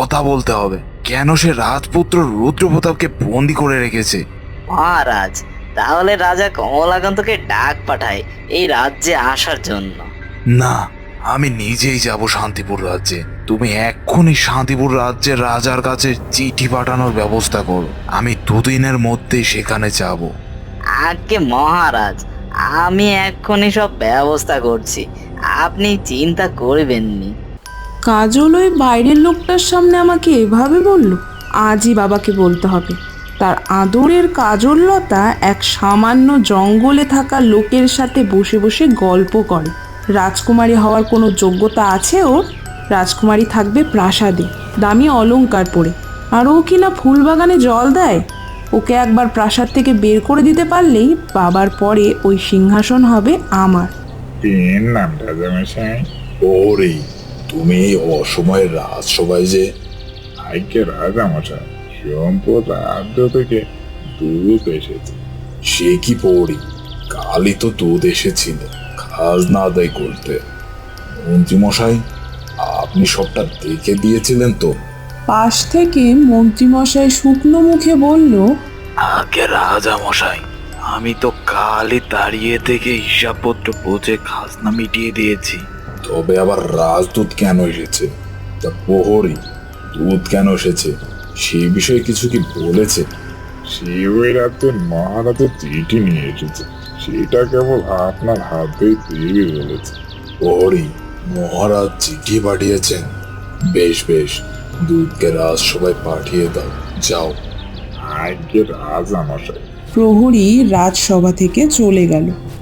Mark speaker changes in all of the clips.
Speaker 1: কথা বলতে হবে। কেন সে রাজপুত্র রুদ্রপ্রতাপকে বন্দি করে রেখেছে?
Speaker 2: মহারাজ, তাহলে রাজা কমলাকান্তকে ডাক পাঠায় এই রাজ্যে আসার জন্য।
Speaker 1: না, আমি নিজেই যাব শান্তিপুর রাজ্যে। তুমি এক্ষুনি শান্তিপুর রাজ্যের রাজার কাছে চিঠি পাঠানোর ব্যবস্থা করো। আমি দুদিনের মধ্যেই সেখানে যাব।
Speaker 2: আজ্ঞে মহারাজ, আমি এক্ষুনি সব ব্যবস্থা করছি, আপনি চিন্তা করবেননি।
Speaker 3: কাজল ওই বাইরের লোকটার সামনে আমাকে এভাবে বলল। আজই বাবাকে বলতে হবে। তার আদরের কাজললতা এক সামান্য জঙ্গলে থাকা লোকের সাথে বসে বসে গল্প করে। রাজকুমারী হওয়ার কোনো যোগ্যতা আছে ওর? রাজকুমারী থাকবে প্রাসাদে, দামি অলংকার পরে, আর ও কিনা ফুলবাগানে জল দেয়। ওকে একবার প্রাসাদ থেকে বের করে দিতে পারলেই বাবার পরে ওই সিংহাসন হবে আমার।
Speaker 4: এর নাম রাজামশাই?
Speaker 5: ওরে, তুমি এই অসময়ে রাজসভায় যে?
Speaker 4: আজ্ঞে রাজামশাই, সম্পদ রাজ্য থেকে দুধ এসেছে।
Speaker 5: সে কি পড়ি, কালই তো দুধ এসেছিল খাজনা আদায় করতে। মন্ত্রীমশাই, আপনি সবটা দেখে দিয়েছিলেন তো?
Speaker 3: পাশ থেকে মন্ত্রীমশাই শুকনো মুখে বলল,
Speaker 1: আগে রাজা মশাই, আমি তো কালই দাঁড়িয়ে থেকে হিসাবপত্র বুঝে খাজনা মিটিয়ে দিয়েছি।
Speaker 5: তবে আবার রাজদূত কেন এসেছে? তা প্রহরী, দুধ কেন এসেছে সেই বিষয়ে কিছু কি বলেছে?
Speaker 4: সে ওই রাজ্যের মহারাজের চিঠি নিয়ে এসেছে, সেটা কেবল আপনার হাতেই দেবে বলেছে।
Speaker 5: প্রহরী, মহারাজ চিঠি পাঠিয়েছেন? বেশ বেশ, দুধকে রাজসভায় পাঠিয়ে দাও, যাও।
Speaker 4: আজ্ঞে রাজামশাই।
Speaker 3: প্রহরী রাজসভা থেকে চলে গেল।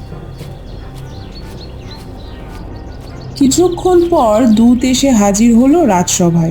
Speaker 3: কিছুক্ষণ পর দূত এসে হাজির হলো রাজসভায়।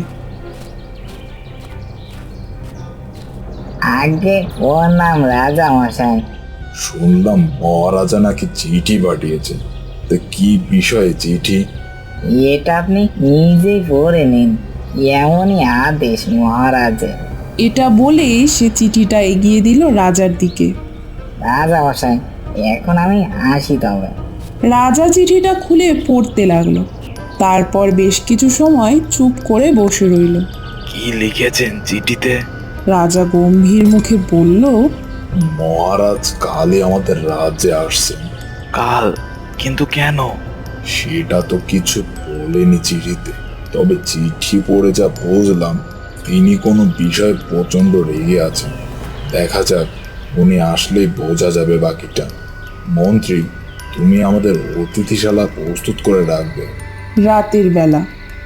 Speaker 2: আজ্ঞে ওর নাম রাজামশাই।
Speaker 5: শুনলাম মহারাজা নাকি চিঠি পাঠিয়েছেন। তা কি বিষয়ে চিঠি?
Speaker 2: এটা আপনি নিজেই পড়ে নিন, এমনই আদেশ মহারাজের।
Speaker 3: এটা বলেই সে চিঠিটা এগিয়ে দিল রাজার দিকে।
Speaker 2: রাজামশাই, এখন আমি আসি তবে।
Speaker 3: রাজা চিঠিটা খুলে পড়তে লাগলো। তারপর বেশ কিছু সময় চুপ করে বসে রইল।
Speaker 1: কি লিখেছেন চিঠিতে?
Speaker 3: রাজা গম্ভীর মুখে বলল,
Speaker 5: মহারাজ কালই আমাদের রাজ্যে আসছেন।
Speaker 1: কাল? কিন্তু কেন?
Speaker 5: সেটা তো কিছু বলেনি চিঠিতে, তবে চিঠি পড়ে যা বুঝলাম তিনি কোনো বিষয়ে প্রচন্ড রেগে আছেন। দেখা যাক, উনি আসলেই বোঝা যাবে বাকিটা। মন্ত্রী, তুমি আমাদের অতিথিশালা প্রস্তুত করে রাখবে।
Speaker 3: রাতের বেলা।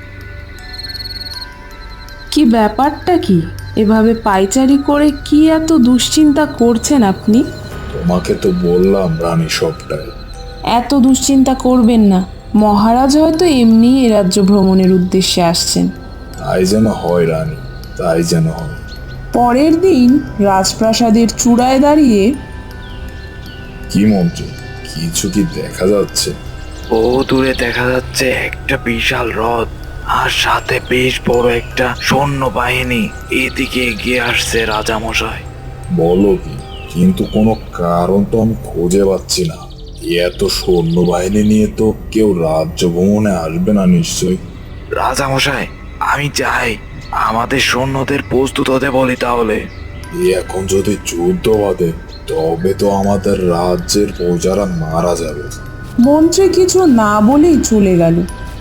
Speaker 3: কি ব্যাপারটা কি? এভাবে পায়চারি করে কি এত দুশ্চিন্তা করছেন আপনি?
Speaker 5: তোমাকে তো বললাম রানী সবটাই।
Speaker 3: এত দুশ্চিন্তা করবেন না। মহারাজ হয়তো এমনি এ রাজ্য ভ্রমণের উদ্দেশ্যে আসছেন।
Speaker 5: তাই যেন হয় রানী, তাই যেন হয়।
Speaker 3: পরের দিন রাজপ্রাসাদের চূড়ায় দাঁড়িয়ে
Speaker 5: কি মন্ত্রী, কিছু কি দেখা যাচ্ছে?
Speaker 1: ও দূরে দেখা যাচ্ছে একটা বিশাল হ্রদ, আর সাথে বেশ বড় একটা সৈন্য বাহিনী এদিকে এগিয়ে আসছে রাজামশাই।
Speaker 5: বলো কি? কিন্তু কোনো কারণ তো আমি খুঁজে পাচ্ছি না। এত সৈন্যবাহিনী নিয়ে তো কেউ রাজ্য ভ্রমণে আসবে না নিশ্চয়ই।
Speaker 1: রাজামশাই, আমি চাই আমাদের সৈন্যদের প্রস্তুত হতে বলি তাহলে।
Speaker 5: এখন যদি যুদ্ধ বাঁধে তবে তো আমাদের রাজ্যের প্রজারা মারা যাবে।
Speaker 3: মন্ত্রী কিছু না বলেই চলে গেল।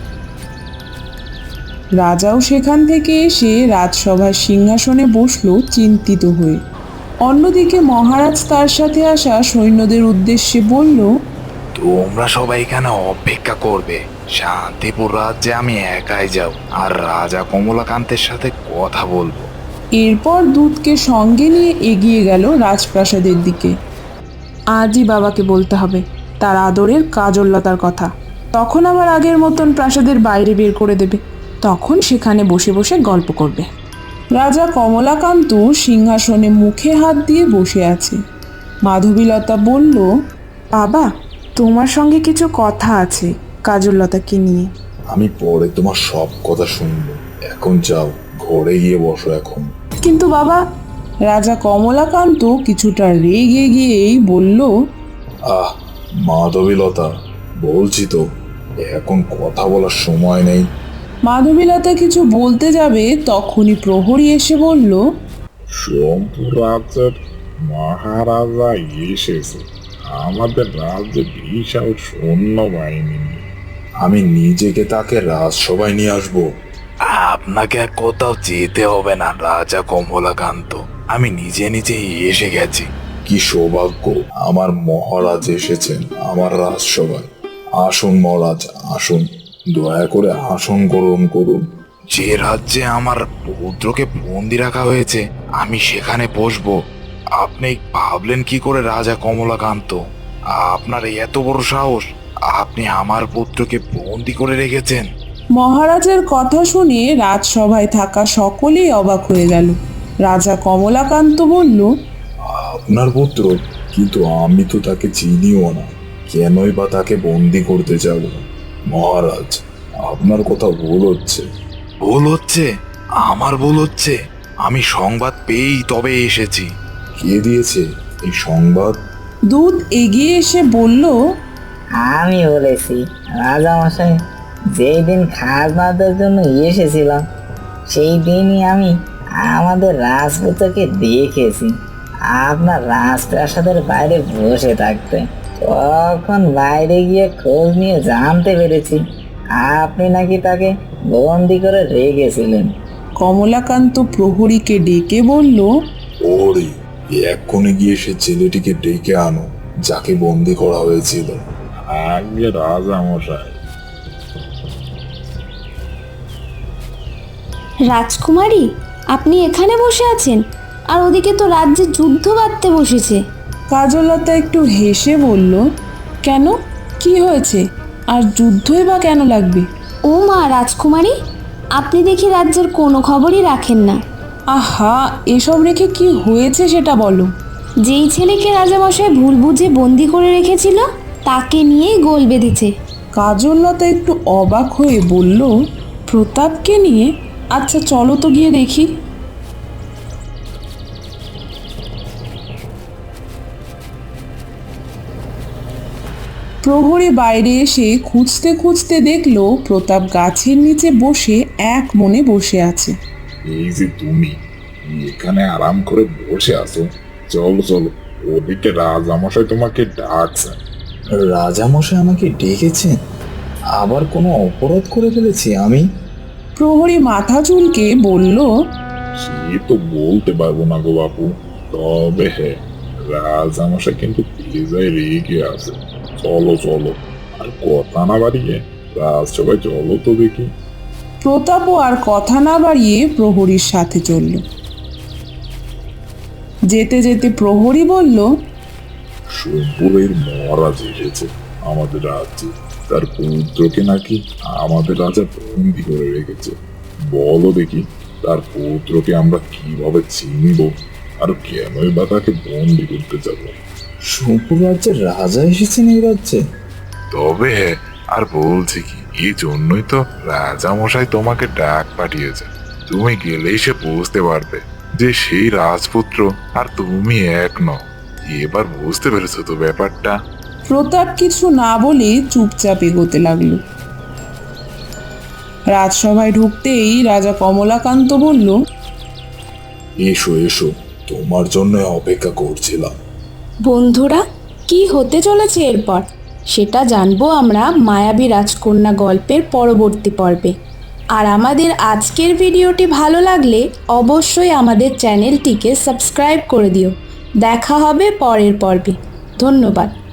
Speaker 3: রাজাও সেখান থেকে এসে রাজসভার সিংহাসনে বসলো চিন্তিত হয়ে। অন্যদিকে মহারাজ তার সাথে আসা সৈন্যদের উদ্দেশ্যে বলল,
Speaker 1: তোমরা সবাই এখানে অপেক্ষা করবে। শান্তিপুর রাজ্যে আমি একাই যাব, আর রাজা কমলাকান্তের সাথে কথা বলবো।
Speaker 3: এরপর দূতকে সঙ্গে নিয়ে এগিয়ে গেল রাজপ্রাসাদের দিকে। আজই বাবাকে বলতে হবে তার আদরের কাজললতার কথা। তখন আবার আগের মতন প্রাসাদের বাইরে বের করে দেবে। তখন সেখানে বসে বসে গল্প করবে। রাজা কমলাকান্ত সিংহাসনে মুখে হাত দিয়ে বসে আছে। মাধবীলতা বলল, বাবা, তোমার সঙ্গে কিছু কথা আছে কাজললতাকে নিয়ে।
Speaker 5: আমি পরে তোমার সব কথা শুনবো, এখন যাও ঘরে গিয়ে বসো এখন।
Speaker 3: কিন্তু বাবা, রাজা কমলাকান্ত কিছুটা রেগে গিয়েই বলল,
Speaker 5: আহ মাধবীলতা, বলছি তো এখন কথা বলার সময় নেই।
Speaker 3: মাধবীলতা কিছু বলতে যাবে তখনই প্রহরী এসে বলল,
Speaker 4: সোমপুর রাজ্যের মহারাজা এসেছে আমাদের রাজ্যে বিশাল সৈন্যবাহিনী নিয়ে।
Speaker 5: আমি নিজেকে তাকে রাজসভায় নিয়ে আসবো।
Speaker 1: আপনাকে আর কোথাও যেতে হবে না রাজা কমলাকান্ত, আমি নিজে নিজেই এসে গেছি।
Speaker 5: কি সৌভাগ্য, আমার মহারাজ এসেছেন আমার রাজসভায়। আসুন মহারাজ, আসুন, দয়া করে আসন গ্রহণ করুন।
Speaker 1: যে রাজ্যে আমার পুত্রকে বন্দি রাখা হয়েছে আমি সেখানে বসবো। আপনি ভাবলেন কি করে রাজা কমলাকান্ত? আপনার এত বড় সাহস, আপনি আমার পুত্রকে বন্দি করে রেখেছেন?
Speaker 3: মহারাজের কথা শুনে রাজসভায় থাকা সকলেই অবাক হয়ে গেল। রাজা কমলাকান্ত বলল,
Speaker 5: আপনার পুত্র? কিন্তু আমি তো তাকে চিনিও না, কেনই বা তাকে বন্দি করতে যাব? মহারাজ, আপনার কথা ভুল হচ্ছে।
Speaker 1: ভুল হচ্ছে? আমার ভুল হচ্ছে? আমি সংবাদ পেয়েই তবে এসেছি।
Speaker 5: কে দিয়েছে এই সংবাদ?
Speaker 3: দুধ এগিয়ে এসে বলল,
Speaker 2: আমি বলেছি রাজামশাই, যেই দিন খাজনাদের জন্য এসেছিলাম সেই দিনই আমি আমাদের রাজপুত্রকে দেখেছি আপনার রাজপ্রাসাদের বাইরে বসে থাকতে। তখন বাইরে গিয়ে খোঁজ নিয়ে জানতে পেরেছি আপনি নাকি তাকে বন্দি করে রেখেছিলেন।
Speaker 3: কমলাকান্ত প্রহরীকে ডেকে বলল,
Speaker 5: ওরে, এক্ষুনি গিয়ে সে ছেলেটিকে ডেকে আনো যাকে বন্দি করা হয়েছিল।
Speaker 4: আগে রাজা মশাই।
Speaker 6: রাজকুমারী, আপনি এখানে বসে আছেন, আর ওদিকে তো রাজ্যে যুদ্ধ বাঁধতে বসেছে।
Speaker 3: কাজলতা একটু হেসে বলল, কেন, কি হয়েছে? আর যুদ্ধই বা কেন লাগবে?
Speaker 6: ও মা রাজকুমারী, আপনি দেখি রাজ্যের কোনো খবরই রাখেন না।
Speaker 3: আহা, এসব রেখে কি হয়েছে সেটা বলো।
Speaker 6: যেই ছেলেকে রাজামশাই ভুল বুঝে বন্দি করে রেখেছিল তাকে নিয়েই গোল বেঁধেছে।
Speaker 3: কাজলতা একটু অবাক হয়ে বলল, প্রতাপকে নিয়ে? আচ্ছা চলো তো গিয়ে দেখি। প্রহরী বাইরে এসে খুঁজতে খুঁজতে দেখলো প্রতাপ গাছের নিচে বসে এক মনে বসে আছে।
Speaker 4: এই যে তুমি এখানে আরাম করে বসে আছো, চলো চলো, ওদিকে রাজামশাই তোমাকে ডাকছে।
Speaker 5: রাজামশাই আমাকে ডেকেছেন? আবার কোনো অপরাধ করে ফেলেছি আমি?
Speaker 3: প্রহরী মাথা চুলকে বলল,
Speaker 4: সে তো বলতে পারবো না গো বাপু, তবে হ্যাঁ, রাজামশাই কিন্তু বেজায় রেগে আছে। চলো চলো, আর কথা না বাড়িয়ে রাজসভায় চলো তো দেখি।
Speaker 3: প্রতাপও আর কথা না বাড়িয়ে প্রহরীর সাথে চলল। যেতে যেতে প্রহরী বলল,
Speaker 4: সোমপুরের মহারাজ এসেছে আমাদের রাজ্যে, তার পুত্রকে নাকি আমাদের রাজা বন্দি করে রেখেছে। বলো দেখি, তার পুত্রকে আমরা কিভাবে চিনব, আর কেনই বা তাকে বন্দি করতে যাব?
Speaker 5: সোমপুর রাজ্যের রাজা এসেছেন এই রাজ্যে?
Speaker 4: তবে হ্যাঁ, আর বলছি কি, এই জন্যই তো রাজামশাই তোমাকে ডাক পাঠিয়েছে। তুমি গেলেই সে বুঝতে পারবে যে সেই রাজপুত্র আর তুমি এক নও। এবার বুঝতে পেরেছো তো ব্যাপারটা?
Speaker 3: প্রতাপ কিছু না বলে চুপচাপ এগোতে লাগলো। রাজসভায় ঢুকতেই রাজা কমলাকান্ত বলল,
Speaker 5: এসো এসো, তোমার জন্য অপেক্ষা করছিলাম।
Speaker 6: বন্ধুরা, কি হতে চলেছে এরপর সেটা জানবো আমরা মায়াবী রাজকন্যা গল্পের পরবর্তী পর্বে। আর আমাদের আজকের ভিডিওটি ভালো লাগলে অবশ্যই আমাদের চ্যানেলটিকে সাবস্ক্রাইব করে দিও। দেখা হবে পরের পর্বে। ধন্যবাদ।